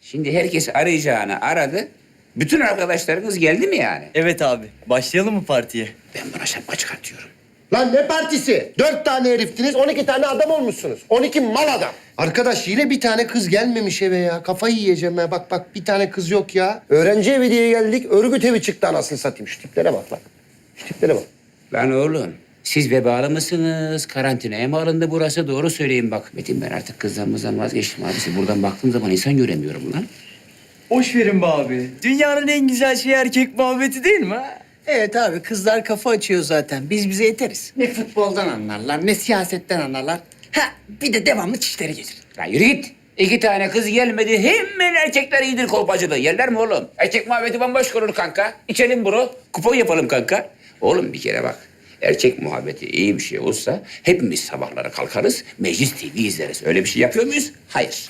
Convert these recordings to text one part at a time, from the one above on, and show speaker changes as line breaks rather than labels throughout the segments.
Şimdi herkes arayacağını aradı. Bütün arkadaşlarınız geldi mi yani?
Evet abi. Başlayalım mı partiye?
Ben buna şapka çıkartıyorum.
Lan ne partisi? 4 tane heriftiniz, 12 tane adam olmuşsunuz. 12 mal adam. Arkadaş yine bir tane kız gelmemiş eve ya. Kafayı yiyeceğim ya. Bak bir tane kız yok ya. Öğrenci evi diye geldik. Örgüt evi çıktı anasını satayım. Şu tiplere bak lan. Şu tiplere bak.
Lan oğlum, siz vebalı mısınız? Karantinaya mı alındı burası? Doğru söyleyin bak. Metin, ben artık kızlarımızdan vazgeçtim abisi. Buradan baktığım zaman insan göremiyorum lan.
Boş verin be abi. Dünyanın en güzel şeyi erkek muhabbeti değil mi ha?
Evet abi kızlar kafa açıyor zaten. Biz bize yeteriz. Ne futboldan anlarlar ne siyasetten anlarlar. Ha bir de devamlı çişleri gelir.
Lan yürü git. 2 tane kız gelmedi. Hemen erkekler iyidir kolpacılığı. Yerler mi oğlum? Erkek muhabbeti bambaşka olur kanka. İçelim bro. Kupon yapalım kanka. Oğlum bir kere bak. Erkek muhabbeti iyi bir şey olsa hepimiz sabahları kalkarız, Meclis TV izleriz. Öyle bir şey yapıyor muyuz? Hayır.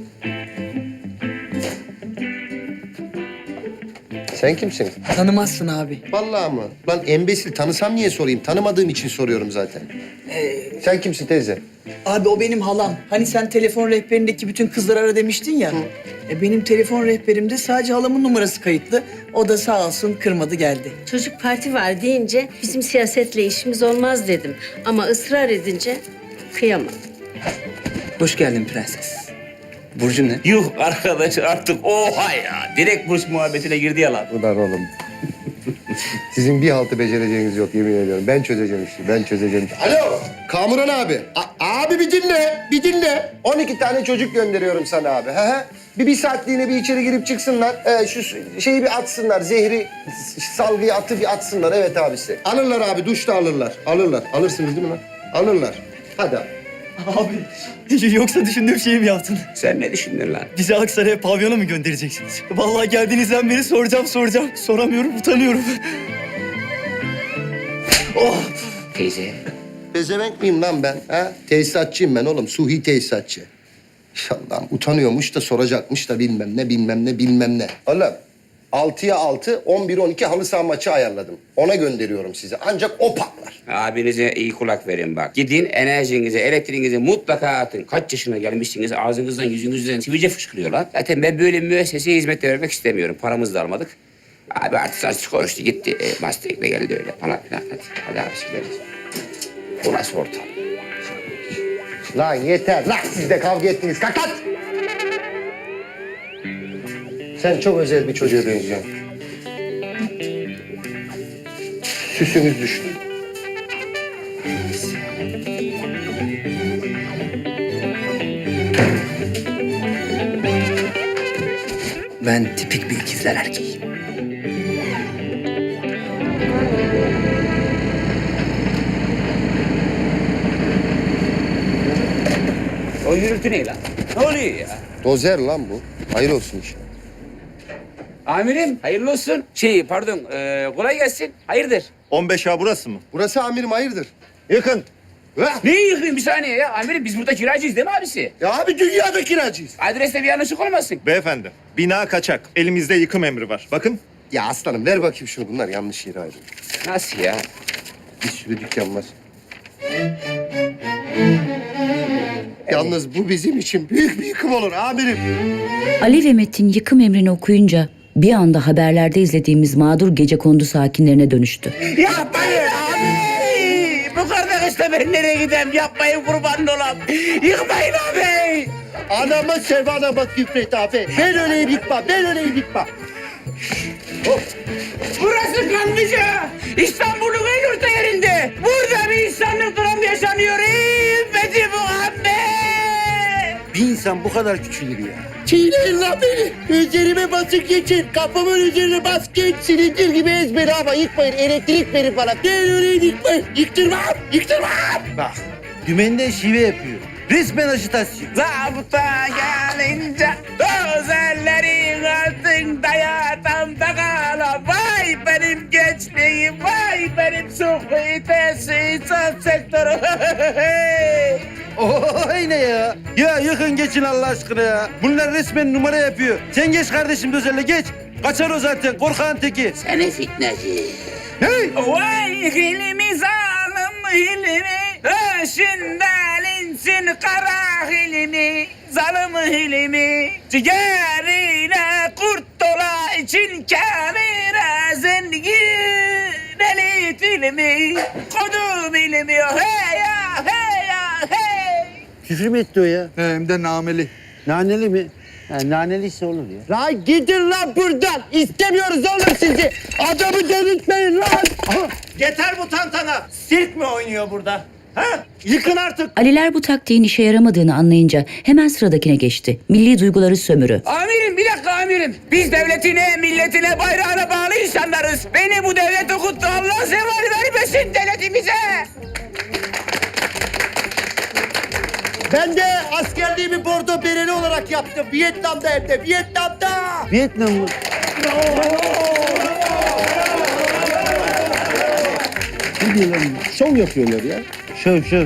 Sen kimsin?
Tanımazsın abi.
Vallahi mı? Lan embesil tanısam niye sorayım? Tanımadığım için soruyorum zaten. Sen kimsin teyze?
Abi o benim halam. Hani sen telefon rehberindeki bütün kızları ara demiştin ya. Benim telefon rehberimde sadece halamın numarası kayıtlı. O da sağ olsun kırmadı geldi.
Çocuk parti var deyince bizim siyasetle işimiz olmaz dedim. Ama ısrar edince kıyamadım.
Hoş geldin prenses. Burcu ne?
Yuh arkadaş artık oha ya. Direkt burs muhabbetine girdi ya lan.
Ulan oğlum. Sizin bir haltı becereceğiniz yok yemin ediyorum. Ben çözeceğim işi, ben çözeceğim işi. Alo, Kamuran abi. Abi bir dinle, bir dinle. 12 tane çocuk gönderiyorum sana abi. Bir saatliğine bir içeri girip çıksınlar. Şu şeyi bir atsınlar, zehri, salgıyı atı bir atsınlar. Evet abisi. Alırlar abi, duşta alırlar. Alırlar. Alırsınız değil mi lan? Alırlar. Hadi abi.
Abi yoksa düşündüğüm şeyi mi yaptın?
Sen ne düşündün lan?
Bizi Aksaray'a pavyona mı göndereceksiniz? Vallahi geldiğinizden beri soracağım. Soramıyorum, utanıyorum.
Teyze.
Bezemek miyim lan ben? Ha? Tesisatçıyım ben oğlum. Suhi tesisatçı. Allah'ım utanıyormuş da soracakmış da bilmem ne. Oğlum 6'ya 6, 11-12 halı saha maçı ayarladım. Ona gönderiyorum sizi. Ancak o patlar.
Abinize iyi kulak verin bak. Gidin enerjinizi, elektriğinizi mutlaka atın. Kaç yaşına gelmişsiniz ağzınızdan yüzünüzden sivilce fışkırıyor lan. Zaten ben böyle müesseseye hizmet vermek istemiyorum. Paramızı da almadık. Abi artık konuştu gitti. Mustang de geldi öyle falan filan. Hadi abi gideriz. Bu nasıl ortam?
Lan yeter. Lan siz de kavga ettiniz. Kalk lan! Sen çok özel bir çocuğa benziyorsun. Süsünüz düştü.
Ben tipik bir ikizler erkeğim.
O gürültü ne lan? Ne oluyor ya?
Dozer lan bu. Hayır olsun iş.
Amirim hayırlı olsun. Pardon kolay gelsin. Hayırdır?
15A burası mı?
Burası amirim hayırdır? Yakın.
Neyi yıkayım bir saniye ya? Amirim biz burada kiracıyız değil mi abisi?
Ya abi dünyada kiracıyız.
Adreste bir yanlışlık olmasın.
Beyefendi, bina kaçak. Elimizde yıkım emri var. Bakın.
Ya aslanım ver bakayım şunu. Bunlar yanlış yere ayrılıyor.
Nasıl ya?
Bir sürü dükkan var. Yalnız bu bizim için büyük bir yıkım olur amirim.
Ali ve Metin yıkım emrini okuyunca bir anda haberlerde izlediğimiz mağdur gecekondu sakinlerine dönüştü.
Yapmayın abi! Bu kardeşle ben nereye gideyim? Yapmayın kurban olam. Yıkmayın abi!
Anama sevana bak Gülfret abi. Ben öyleyim yıkma, ben öyleyim yıkma.
Burası Kanlıca. İstanbul'un en orta yerinde. Burada bir insanlık dram yaşanıyor. Metin Muhammed!
Bir insan bu kadar küçülür ya. Çiğneyin lan beni. Üzerime basıp geçin. Kafamın üzerine bas geç. Silindir gibi ezberi ama yıkmayın. Elektrik verin bana. Ben öyleyim yıkmayın. Yıktırmam, yıktırmam.
Bak, dümenden şive yapıyor. Resmen ajitasyon.
Zabıta gelince özellerin altında yatağımda kalan. Vay benim gençliğim, vay benim suhu tesisat sektörü.
Oy ne ya? Ya yakın geçin Allah aşkına ya. Bunlar resmen numara yapıyor. Sen geç kardeşim Dözer'le geç. Kaçar o zaten korkağın teki.
Seni fitneci.
Hey!
Vay hilmi zalim hilmi. Öşünden insin kara hilmi. zalım hilmi. Ciğerine kurt dola için kamera zengin elit ilmi. Kodum ilmi hey ya hey ya hey.
Küfür mü etti o ya?
Hem de nameli.
Naneli mi? Ha, naneliyse olur ya.
Lan gidin lan buradan. İstemiyoruz oğlum sizi. Adamı delirtmeyin lan.
Yeter bu tantana. Sirk mi oynuyor burada? Ha? Yıkın artık.
Aliler bu taktiğin işe yaramadığını anlayınca hemen sıradakine geçti. Milli duyguları sömürü.
Amirim bir dakika amirim. Biz devletine, milletine, bayrağına bağlı insanlarız. Beni bu devlet okuttu. Allah zeval vermesin devletimize.
Ben de askerliğimi bordo bereli olarak yaptım. Vietnam'da hem de Vietnam'da.
Vietnam mı? Ne diyorlar? Şov yapıyorlar ya. Şov.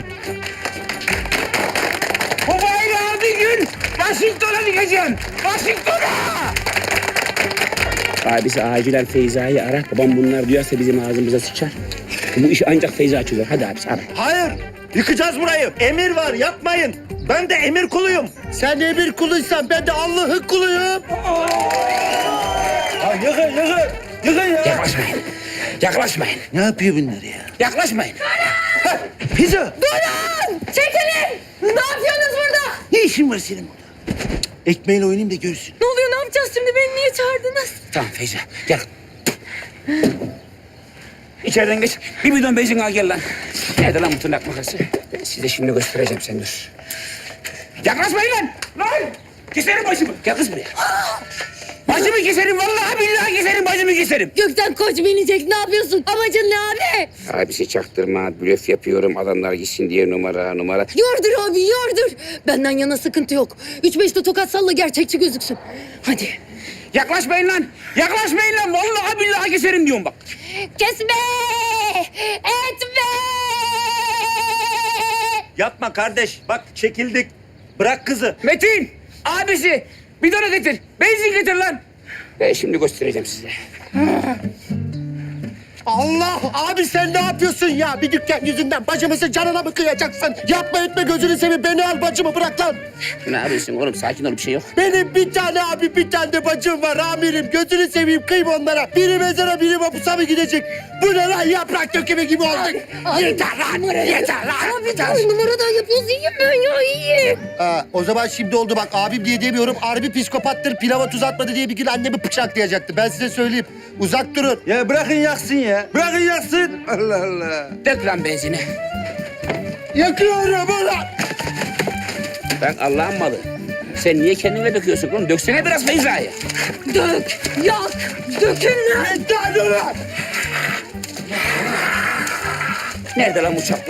Bu bayrağı bir gün Washington'a dikeceğim. Washington'a! Abisi acilen Feyza'yı ara. Babam bunlar duyarsa bizim ağzımıza sıçar. Bu iş ancak Feyza çözer. Hadi abisi ara.
Hayır. Yıkacağız burayı. Emir var yapmayın. Ben de emir kuluyum.
Sen emir kuluysan ben de Allah'ın kuluyum.
Ha, yıkın ya.
Yaklaşmayın. Yaklaşmayın.
Ne yapıyor bunlar ya?
Yaklaşmayın.
Pizza.
Çekilin! Ne yapıyorsunuz burada?
Ne işin var senin burada? Ekmeğiyle oynayayım da görsün.
Ne oluyor, ne yapacağız şimdi? Beni niye çağırdınız?
Tamam Feyza gel. İçeriden geç. Bir bidon benzin al gel lan. Nerede lan bu tırnak makası? Ben size şimdi göstereceğim sen dur. Yaklaşmayın lan! Lan! Keserim başımı. Gel kız buraya. Başımı keserim vallahi billahi keserim başımı keserim.
Gökten koç binecek. Ne yapıyorsun? Amacın ne abi?
Abisi çaktırma, blöf yapıyorum adamlar gitsin diye numara.
Yordur abi, yordur. Benden yana sıkıntı yok. 3-5 de tokat salla, gerçekçi gözüksün. Hadi.
Yaklaşmayın lan! Yaklaşmayın lan! Vallahi billahi keserim diyorum bak.
Kesme! Etme!
Yapma kardeş. Bak çekildik. Bırak kızı.
Metin! Abisi! Bidonu getir. Benzin getir lan. Ben şimdi göstereceğim size.
Allah abi sen ne yapıyorsun ya? Bir dükkan yüzünden bacımızın canına mı kıyacaksın? Yapma etme gözünü seveyim beni al bacımı bırak lan.
Ne yapıyorsun oğlum? Sakin ol bir şey yok.
Benim bir tane abi bir tane de bacım var amirim. Gözünü seveyim kıyma onlara. Biri mezara biri mapusa mı gidecek? Bu ne lan yaprak dökümü gibi olduk. Yeter lan yeter lan.
Abi dur, numaradan yapıyoruz. İyiyim ben ya, iyiyim.
O zaman şimdi oldu bak abim diye demiyorum. Harbi psikopattır pilava tuz atmadı diye bir gün annemi bıçaklayacaktı. Ben size söyleyeyim. Uzak durun.
Ya bırakın yaksın ya. Bırakın yaksın. Allah Allah.
Dök lan benzini.
Yakıyorum ulan.
Ben Allah'ın malı. Sen niye kendine döküyorsun oğlum? Döksene biraz Feyza'ya.
Dök, yak, dökün lan.
Yeter ulan.
Nerede lan bu çapla?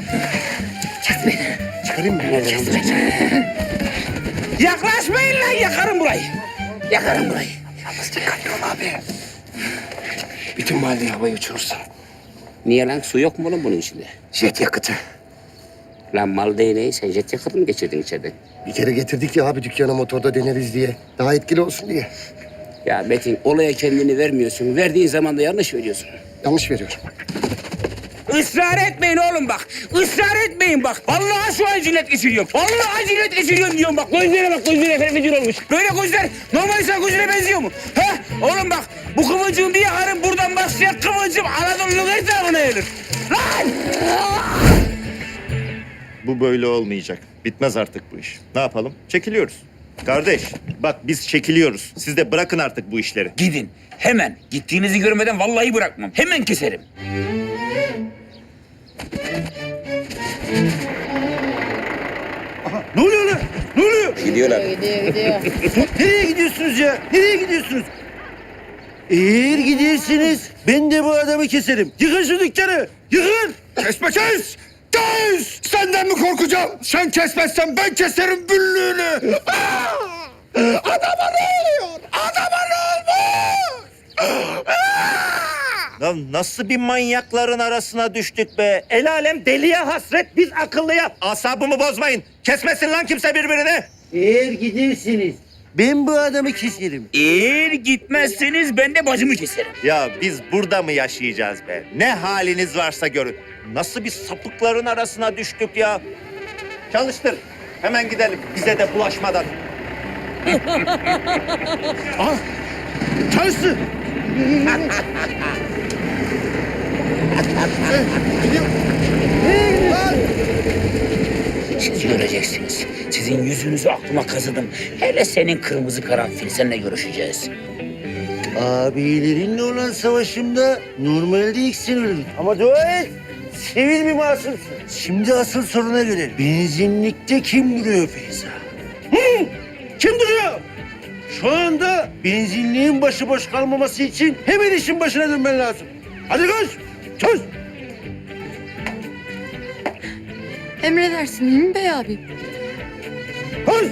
Çıkarayım mı?
Nerede lan bu çapla? Yaklaşmayın lan yakarım burayı. Yakarım burayı.
Yalnız dikkatli ol abi. Bütün mahalleyi havaya uçurursun.
Niye lan? Su yok mu oğlum bunun içinde?
Jet yakıtı.
Lan mal değneği sen jet yakıtı mı geçirdin içeriden?
Bir kere getirdik ya abi dükkana motorda deneriz diye. Daha etkili olsun diye.
Ya Metin olaya kendini vermiyorsun. Verdiğin zaman da yanlış veriyorsun.
Yanlış veriyorum.
Israr etmeyin oğlum bak. Israr etmeyin bak. Vallahi şu an cinnet geçiriyorum. Vallahi cinnet geçiriyorum diyorum bak. Gözlere bak gözlere fenefecir olmuş. Böyle gözler normal insan gözüne benziyor mu? Ha? Oğlum bak bu kıvılcım bir yakarım buradan başlayan kıvılcım Anadolu'nun her tarafına yayılır. Lan!
Bu böyle olmayacak. Bitmez artık bu iş. Ne yapalım? Çekiliyoruz. Kardeş bak biz çekiliyoruz. Siz de bırakın artık bu işleri.
Gidin hemen. Gittiğinizi görmeden vallahi bırakmam. Hemen keserim.
Ne oluyor lan? Ne oluyor?
Gidiyorlar.
Nereye gidiyorsunuz ya? Nereye gidiyorsunuz? Eğer gidersiniz ben de bu adamı keserim. Yıkın şu dükkanı. Yıkın.
Kesme kes! Kes! Senden mi korkacağım? Sen kesmezsen ben keserim büllüğünü. Adama ne oluyor? Adama ne olmuş?
Lan nasıl bir manyakların arasına düştük be? El alem deliye hasret, biz akıllıya. Asabımı bozmayın. Kesmesin lan kimse birbirini.
Eğer gidersiniz ben bu adamı keserim.
Eğer gitmezseniz ben de bacımı keserim.
Ya biz burada mı yaşayacağız be? Ne haliniz varsa görün. Nasıl bir sapıkların arasına düştük ya? Çalıştır. Hemen gidelim bize de bulaşmadan.
Ah! Çalıştı.
Siz göreceksiniz. Sizin yüzünüzü aklıma kazıdım. Hele senin kırmızı karanfil, seninle görüşeceğiz.
Abilerinle olan savaşımda normalde ilk sen öldün. Ama dua et. Sivil bir masumsun. Şimdi asıl soruna gelelim. Benzinlikte kim duruyor Feyza? Hı? Kim duruyor? Şu anda benzinliğin başıboş kalmaması için hemen işin başına dönmen lazım. Hadi koş. Koş.
Emredersin Hilmi Bey abi.
Koş.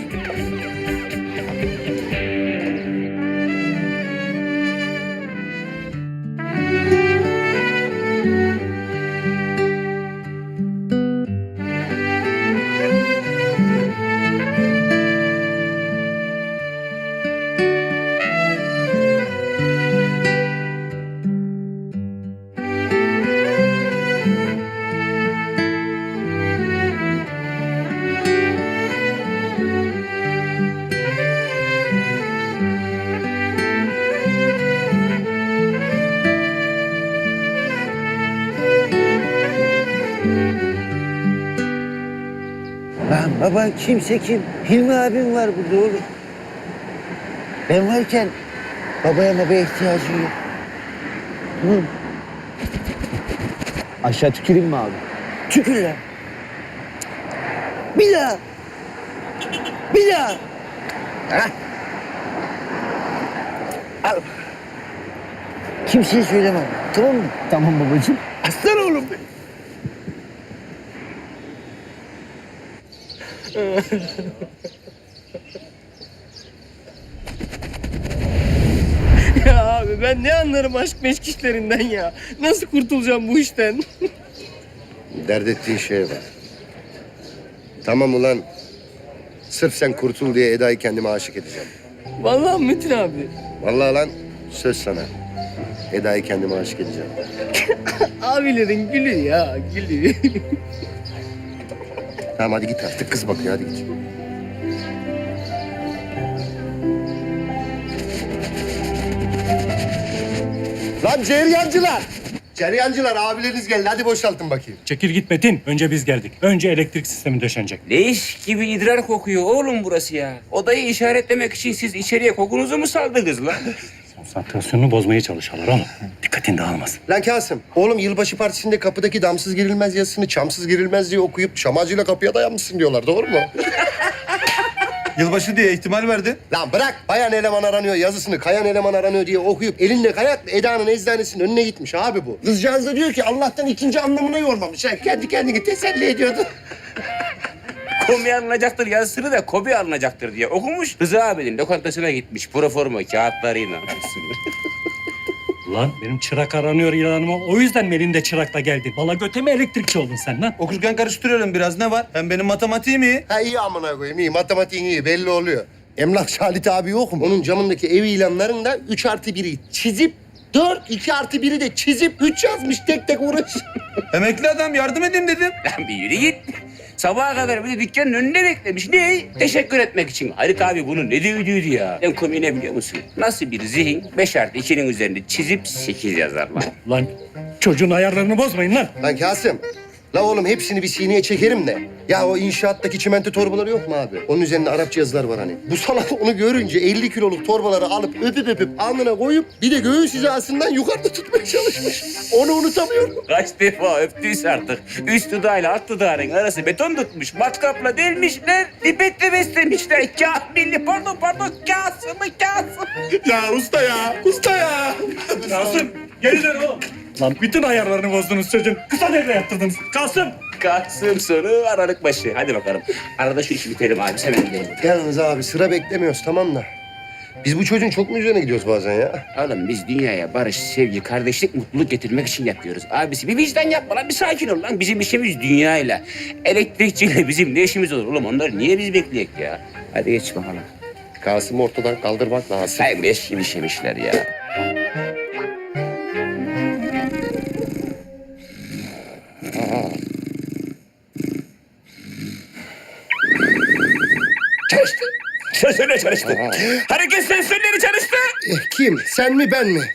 Lan baban kimse kim? Hilmi abim var burada oğlum. Ben varken babaya ihtiyacı yok. Hı.
Aşağı tüküreyim mi abi?
Tükür lan. Bir daha. Bir daha. Hah. Al. Kimseye söylemem. Tamam mı?
Tamam babacığım.
Aslan oğlum benim.
Ya abi ben ne anlarım aşk meşk işlerinden ya. Nasıl kurtulacağım bu işten?
Dert ettiğin şeye bak. Tamam ulan. Sırf sen kurtul diye Eda'yı kendime aşık edeceğim.
Vallahi Metin abi.
Vallahi lan söz sana. Eda'yı kendime aşık edeceğim.
Abilerin gülü ya gülü.
Tamam hadi git artık kız bakıyor hadi git. Lan ceryancılar! Ceryancılar abileriniz geldi hadi boşaltın bakayım.
Çekil git Metin. Önce biz geldik. Önce elektrik sistemi döşenecek.
Leş gibi idrar kokuyor oğlum burası ya. Odayı işaretlemek için siz içeriye kokunuzu mu saldınız lan?
Konsantrasyonunu bozmaya çalışıyorlar ama dikkatin dağılmasın.
Lan Kasım, oğlum yılbaşı partisinde kapıdaki damsız girilmez yazısını çamsız girilmez diye okuyup şamacıyla kapıya dayanmışsın diyorlar doğru mu?
Yılbaşı diye ihtimal verdin.
Lan bırak bayan eleman aranıyor yazısını kayan eleman aranıyor diye okuyup elinle kayakla Eda'nın eczanesinin önüne gitmiş abi bu. Kızcağız da diyor ki Allah'tan ikinci anlamına yormamış. Ha, kendi kendini teselli ediyordu.
Komi alınacaktır yazısını da Kobi alınacaktır diye okumuş. Rıza abinin lokantasına gitmiş proforma kağıtlarıyla.
Lan benim çırak aranıyor ilanıma. O yüzden mi elinde çırakla geldin? Valla göteme elektrikçi oldun sen lan.
Okurken karıştırıyorum biraz ne var? Hem benim matematiğim iyi.
Ha iyi amına koyayım iyi matematiğin iyi belli oluyor. Emlakçı Halit abi yok mu? Onun camındaki ev ilanlarında 3+1'i çizip 4, 2+1'i de çizip 3 yazmış tek tek uğraş.
Emekli adam yardım edeyim dedim.
Lan bir yürü git. Sabaha kadar bir de dükkanın önüne beklemiş. Ne? Teşekkür etmek için. Halit abi bunu ne düğüdüydü ya? En komiği ne biliyor musun? Nasıl bir zihin 5+2'nin üzerinde çizip 8 yazar lan.
Lan çocuğun ayarlarını bozmayın lan.
Lan Kasım. La oğlum hepsini bir sineye çekerim de. Ya o inşaattaki çimento torbaları yok mu abi? Onun üzerinde Arapça yazılar var hani. Bu salak onu görünce 50 kiloluk torbaları alıp öpüp alnına koyup bir de göğüs hizasından yukarıda tutmaya çalışmış. Onu unutamıyorum.
Kaç defa öptüyse artık. Üst dudağıyla alt dudağının arası beton tutmuş. Matkapla delmişler. Dibetle beslemişler. Kamilli pardon Kasım'ı Kasım.
Ya usta ya. Usta ya.
Kasım geri dön oğlum. Lan bütün ayarlarını bozdunuz çocuğun. Kısa devre yaptırdınız. Kasım.
Kasım sonu Aralık başı. Hadi bakalım. Arada şu işi bitelim abi. Hemen gidelim.
Yalnız abi sıra beklemiyoruz tamam da. Biz bu çocuğun çok mu üzerine gidiyoruz bazen ya?
Oğlum biz dünyaya barış, sevgi, kardeşlik, mutluluk getirmek için yapıyoruz. Abisi bir vicdan yapma lan, bir sakin ol lan. Bizim işimiz dünyayla. Elektrikçiyle bizim ne işimiz olur oğlum? Onları niye biz bekleyek ya? Hadi geç bakalım.
Kasım'ı ortadan kaldırmak lazım.
Sen beş gibi işemişler ya. çalıştı. Hareket sensörleri çalıştı.
Kim? Sen mi ben mi?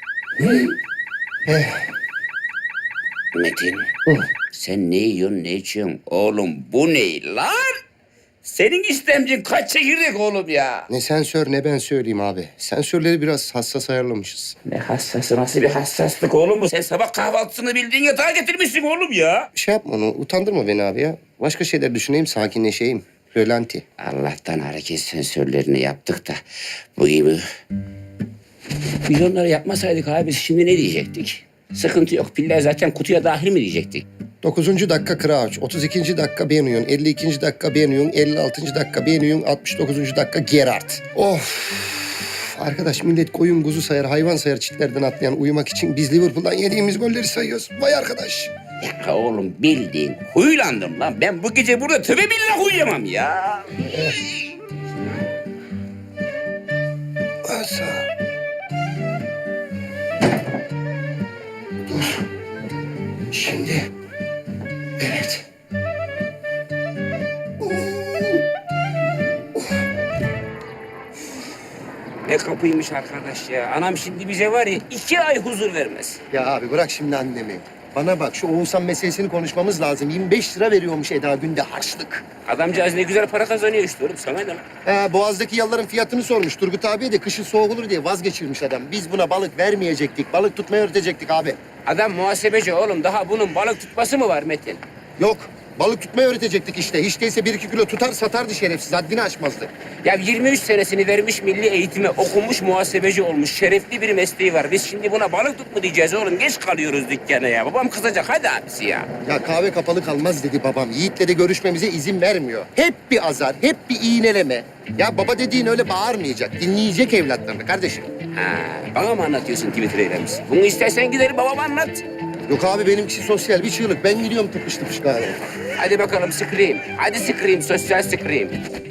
Metin, sen ne yiyorsun, ne içiyorsun? Oğlum bu ne lan? Senin istemcin kaç çekirdek oğlum ya?
Ne sensör ne ben söyleyeyim abi. Sensörleri biraz hassas ayarlamışız.
Ne hassası, nasıl bir hassaslık oğlum bu? Sen sabah kahvaltısını bildiğin yatağa getirmişsin oğlum ya.
Şey yapma onu, utandırma beni abi ya. Başka şeyler düşüneyim, sakinleşeyim. Rölanti.
Allah'tan hareket sensörlerini yaptık da bu gibi. Biz onları yapmasaydık abi biz şimdi ne diyecektik? Sıkıntı yok. Piller zaten kutuya dahil mi diyecektik?
9. dakika Crouch, 32. dakika Benuyon, 52. dakika Benuyon, 56. dakika Benuyon, 69. dakika Gerard. Of! Arkadaş millet koyun kuzu sayar, hayvan sayar çitlerden atlayan uyumak için biz Liverpool'dan yediğimiz golleri sayıyoruz. Vay arkadaş.
Ya oğlum bildiğin huylandım lan. Ben bu gece burada tövbe billah uyuyamam ya.
Asa. Dur. Şimdi. Evet.
Ne kapıymış arkadaş ya. Anam şimdi bize var ya 2 ay huzur vermez.
Ya abi bırak şimdi annemi. Bana bak şu Oğuzhan meselesini konuşmamız lazım. 25 lira veriyormuş Eda günde harçlık.
Adamcağız ne güzel para kazanıyor işte oğlum. Sana ne lan?
Boğaz'daki yalıların fiyatını sormuş. Turgut abiye de kışın soğuk olur diye vazgeçirmiş adam. Biz buna balık vermeyecektik. Balık tutmayı öğretecektik abi.
Adam muhasebeci oğlum. Daha bunun balık tutması mı var Metin?
Yok. Balık tutmayı öğretecektik işte. Hiç değilse 1-2 kilo tutar satardı şerefsiz. Haddini aşmazdı.
Ya 23 senesini vermiş milli eğitime, okumuş muhasebeci olmuş. Şerefli bir mesleği var. Biz şimdi buna balık tut mu diyeceğiz oğlum? Geç kalıyoruz dükkana ya. Babam kızacak. Hadi abisi ya.
Ya kahve kapalı kalmaz dedi babam. Yiğit'le de görüşmemize izin vermiyor. Hep bir azar, hep bir iğneleme. Ya baba dediğin öyle bağırmayacak. Dinleyecek evlatlarını kardeşim.
Ha, bana mı anlatıyorsun Twitter eylemisi? Bunu istersen gidelim babama anlat.
Yok abi benimkisi sosyal bir çığlık. Ben gidiyorum tıpış tıpış galiba.
Hadi bakalım scream. Hadi scream, sosyal scream.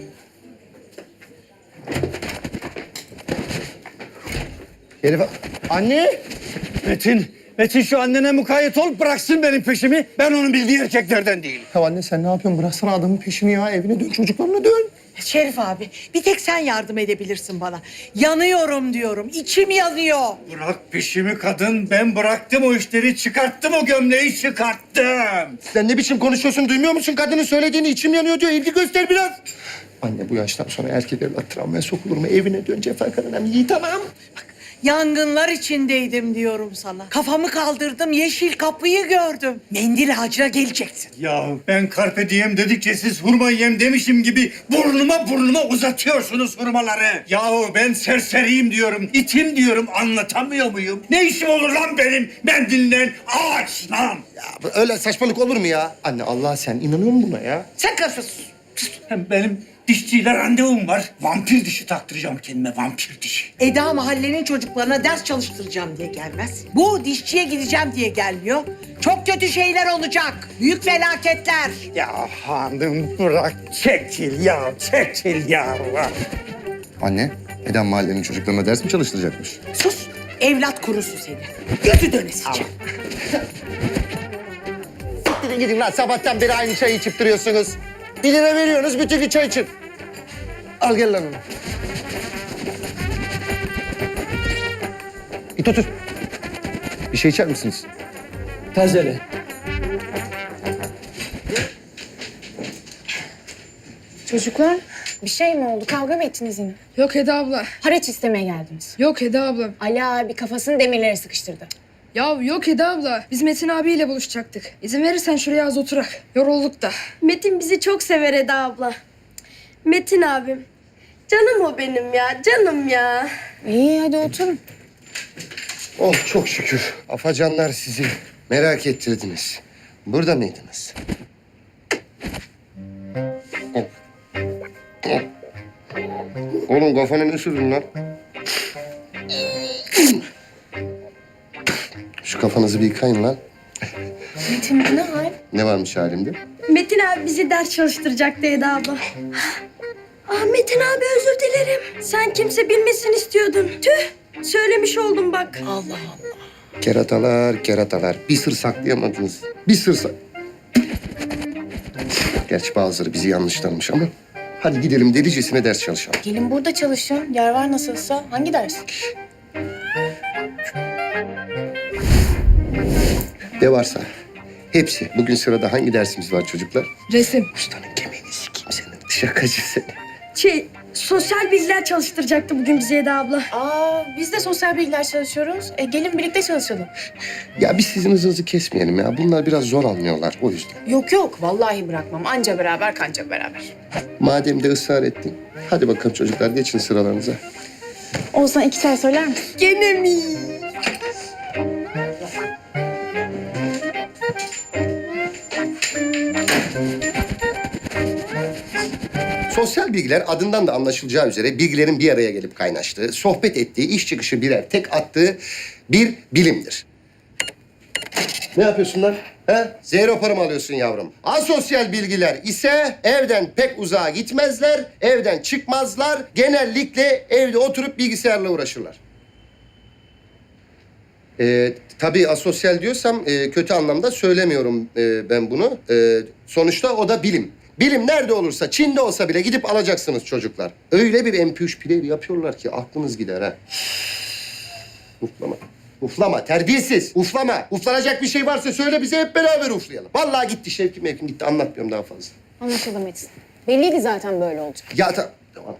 Herif... Anne!
Metin şu annene mukayyet ol bıraksın benim peşimi. Ben onun bildiği erkeklerden değilim.
Ya anne sen ne yapıyorsun? Bıraksana adamın peşini ya. Evine dön, çocuklarına dön.
Şerif abi, bir tek sen yardım edebilirsin bana. Yanıyorum diyorum, içim yanıyor.
Bırak peşimi kadın. Ben bıraktım o işleri. Çıkarttım o gömleği çıkarttım.
Sen ne biçim konuşuyorsun? Duymuyor musun? Kadının söylediğini içim yanıyor diyor. İlgi göster biraz.
Anne bu yaştan sonra erkek evlat travmaya sokulur mu? Evine dön Cefakar'ın iyi tamam.
Yangınlar içindeydim diyorum sana. Kafamı kaldırdım, yeşil kapıyı gördüm. Mendil ağacına geleceksin.
Ya ben carpe diem dedikçe siz hurma yem demişim gibi burnuma uzatıyorsunuz hurmaları. Yahu ben serseriyim diyorum, itim diyorum anlatamıyor muyum? Ne işim olur lan benim mendilinden ağaçla?
Ya öyle saçmalık olur mu ya? Anne Allah sen inanıyor musun buna ya?
Sen karışıyorsun.
Hem benim dişçiyle randevum var. Vampir dişi taktıracağım kendime, vampir dişi.
Eda mahallenin çocuklarına ders çalıştıracağım diye gelmez. Bu dişçiye gideceğim diye gelmiyor. Çok kötü şeyler olacak. Büyük felaketler.
Ya hanım bırak çekil ya.
Anne, Eda mahallenin çocuklarına ders mi çalıştıracakmış?
Sus. Evlat kurusu seni. Gözü dönesice.
Gidin lan sabahtan beri aynı çayı içip duruyorsunuz. 1 lira veriyorsunuz bütün gün çay için. Al gel lan onu. İt otur. Bir şey içer misiniz?
Tazele.
Çocuklar bir şey mi oldu? Kavga mı ettiniz yine?
Yok Eda abla.
Haraç istemeye geldiniz.
Yok Eda abla.
Ali abi kafasını demirlere sıkıştırdı.
Ya yok Eda abla. Biz Metin abiyle buluşacaktık. İzin verirsen şuraya az oturak. Yorulduk da.
Metin bizi çok sever Eda abla. Metin abim. Canım o benim ya, canım ya.
İyi hadi oturun.
Oh çok şükür. Afacanlar sizi merak ettirdiniz. Burada mıydınız? Oğlum kafana ne sürdün lan? Şu kafanızı bir yıkayın lan.
Metin ne hal?
Ne varmış halimde?
Metin abi bizi ders çalıştıracaktı Eda abla. Ah Metin abi özür dilerim. Sen kimse bilmesin istiyordun. Tüh, söylemiş oldum bak.
Allah Allah.
Keratalar. Bir sır saklayamadınız. Bir sır Gerçi bazıları bizi yanlış tanımış ama Hadi gidelim delicesine ders çalışalım.
Gelin burada çalışın. Yer var nasılsa. Hangi ders?
Ne varsa. Hepsi. Bugün sırada hangi dersimiz var çocuklar?
Resim.
Ustanın kemiğini sikeyim senin. Şakacı seni.
Sosyal bilgiler çalıştıracaktı bugün bize Eda abla.
Biz de sosyal bilgiler çalışıyoruz. Gelin birlikte çalışalım.
Ya biz sizin hızınızı kesmeyelim ya. Bunlar biraz zor anlıyorlar o yüzden.
Yok vallahi bırakmam. Anca beraber kanca beraber.
Madem de ısrar ettin. Hadi bakalım çocuklar geçin sıralarınıza.
Oğuzhan 2 çay söyler misin?
Gene mi?
Sosyal bilgiler adından da anlaşılacağı üzere bilgilerin bir araya gelip kaynaştığı, sohbet ettiği, iş çıkışı birer tek attığı bir bilimdir. Ne yapıyorsun lan? He? Zero para mı alıyorsun yavrum? Asosyal bilgiler ise evden pek uzağa gitmezler, evden çıkmazlar. Genellikle evde oturup bilgisayarla uğraşırlar. Tabii asosyal diyorsam kötü anlamda söylemiyorum ben bunu. Sonuçta o da bilim. Bilim nerede olursa, Çin'de olsa bile gidip alacaksınız çocuklar. Öyle bir MP3 player yapıyorlar ki aklınız gider ha. Uflama. Uflama, terbiyesiz. Uflama. Uflanacak bir şey varsa söyle bize hep beraber uflayalım. Vallahi gitti Şevki Mevkim gitti. Anlatmıyorum daha fazla.
Anlaşıldı Metin. Belliydi zaten böyle olacak.
Ya tamam.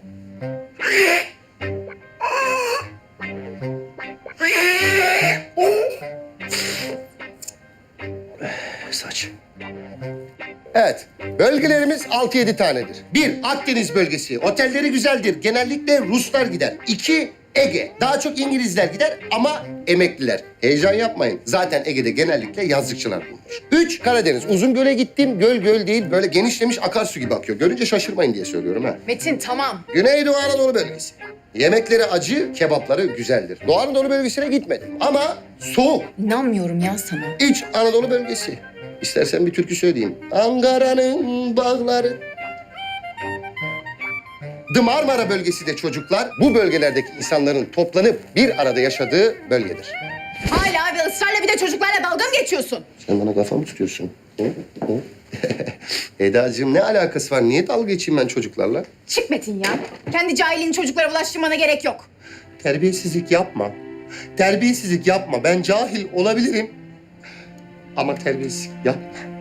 Saç. Evet, bölgelerimiz 6-7 tanedir. 1. Akdeniz bölgesi. Otelleri güzeldir. Genellikle Ruslar gider. 2. Ege. Daha çok İngilizler gider ama emekliler. Heyecan yapmayın. Zaten Ege'de genellikle yazlıkçılar bulunur. 3. Karadeniz. Uzungöl'e gittim. Göl değil, böyle genişlemiş akarsu gibi akıyor. Görünce şaşırmayın diye söylüyorum ha.
Metin tamam.
Güneydoğu Anadolu bölgesi. Yemekleri acı, kebapları güzeldir. Doğu Anadolu bölgesine gitmedim ama soğuk.
İnanmıyorum ya sana.
İç Anadolu bölgesi. İstersen bir türkü söyleyeyim. Ankara'nın bağları. Marmara bölgesi de çocuklar bu bölgelerdeki insanların toplanıp bir arada yaşadığı bölgedir.
Hala ve ısrarla bir de çocuklarla dalga mı geçiyorsun?
Sen bana kafa mı tutuyorsun? Hı? Hı? Edacığım ne alakası var? Niye dalga geçeyim ben çocuklarla?
Çık Metin ya. Kendi cahilliğini çocuklara bulaştırmana gerek yok.
Terbiyesizlik yapma. Terbiyesizlik yapma. Ben cahil olabilirim. Ama terbiyesizlik yapma.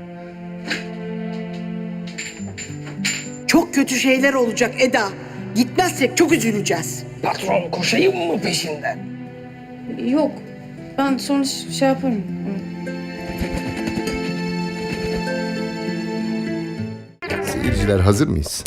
Çok kötü şeyler olacak Eda. Gitmezsek çok üzüleceğiz.
Patron koşayım mı peşinden?
Yok. Ben sonra şey yaparım.
Seyirciler hazır mıyız?